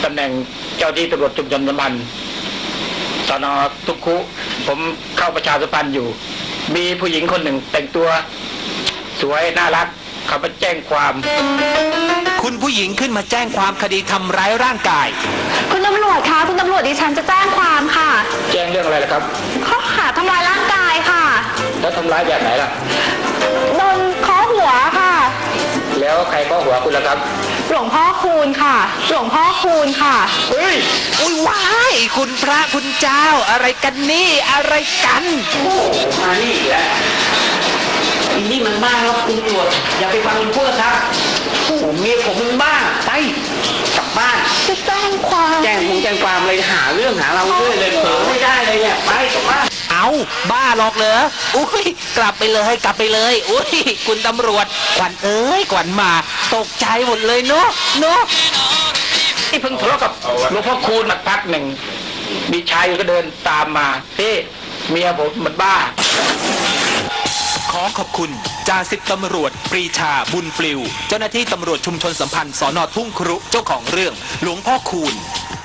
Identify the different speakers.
Speaker 1: ตำแหน่งเจ้าที่ตำรวจชุมชนสัมพันธ์สน.ทุกคุผมเข้าประชาสัมพันธ์อยู่ มีผู้หญิงคนหนึ่งแต่งตัวสวยน่ารักเขาไปแจ้งความ
Speaker 2: คุณผู้หญิงขึ้นมาแจ้งความคดีทำร้ายร่างกาย
Speaker 3: คุณตำรวจคะคุณตำรวจดิฉันจะแจ้งความค่ะ
Speaker 1: แจ้งเรื่องอะไรล่ะครับ
Speaker 3: ข้อหาทำร้ายร่างกายค่ะ
Speaker 1: แล้วทำร้ายแบบไหนล่ะ
Speaker 3: โดนเคาะหัวค่ะ
Speaker 1: แล้วใครเคาะหัวคุณล่ะครับ
Speaker 3: หลวงพ่อคูณค่ะหลวงพ่อคูณค่ะ
Speaker 1: เฮ้ย
Speaker 2: อุ้ยว้ายคุณพระคุณเจ้าอะไรกันนี่อะไรกัน
Speaker 1: มานี่แหละอีนี่มันบ้าครับคุณตำรวจอย่าไปฟังมันพูดครับผมเมียผมมันบ้าไปกลับบ้าน
Speaker 3: จะแจ้งความ
Speaker 1: แจ้งความเลยหาเรื่องหาเราด้วยเลยเผลอไม่ได้เลยเนี่ยไปกลับบ้าน
Speaker 2: เอาบ้าหรอกเหรออุ้ยกลับไปเลยอุ้ยคุณตำรวจขวัญเอ้ยขวัญมาตกใจหมดเลยเนาะ
Speaker 1: ที่เพิ่งทะเลาะกับหลวงพ่อคูณมาพักหนึ่งมีชายก็เดินตามมาพี่เมียผมมันบ้า
Speaker 2: ขอขอบคุณจ่าสิบตำรวจปรีชาบุญปลิวเจ้าหน้าที่ตำรวจชุมชนสัมพันธ์สน.ทุ่งครุเจ้าของเรื่องหลวงพ่อคูณ